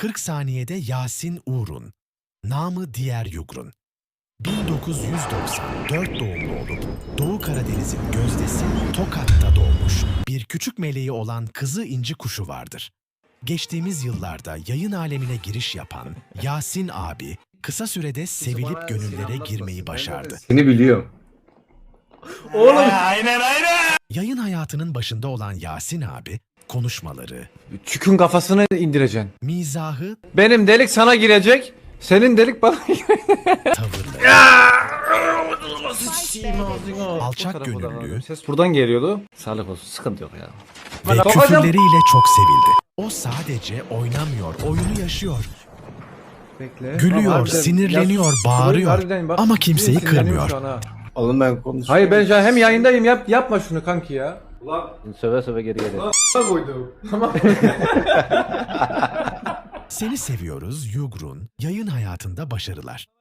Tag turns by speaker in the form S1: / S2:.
S1: 40 saniyede Yasin Uğrun, namı diğer Yugrun. 1994 doğumlu olup Doğu Karadeniz'in gözdesi Tokat'ta doğmuş bir küçük meleği olan kızı inci kuşu vardır. Geçtiğimiz yıllarda yayın alemine giriş yapan Yasin abi kısa sürede sevilip gönüllere girmeyi başardı.
S2: Seni biliyorum.
S3: Oğlum.
S1: Yayın hayatının başında olan Yasin abi konuşmaları,
S3: Çükün kafasını indireceksin.
S1: mizahı,
S3: Benim delik sana girecek. Senin delik bana girecek.
S1: tavırları, alçak gönüllülüğü
S3: Ses buradan geliyordu. Sağlık olsun. Sıkıntı yok ya.
S1: ve
S3: Bana
S1: küfürleriyle çok sevildi. O sadece oynamıyor, oyunu yaşıyor.
S3: Bekle.
S1: Gülüyor,
S3: Harbiden-
S1: sinirleniyor,
S3: Ya,
S1: bağırıyor.
S3: harbiden bak,
S1: Ama kimseyi
S3: sinirleniyorum
S1: kırmıyor.
S3: şu an ha.
S2: Oğlum ben konuşuyorum.
S3: Hayır ben şu an hem yayındayım yapma şunu kanki ya. Ulan
S4: Söve söve geri geliyor.
S3: koydum. Tamam.
S1: Seni seviyoruz Yugrun, yayın hayatında başarılar.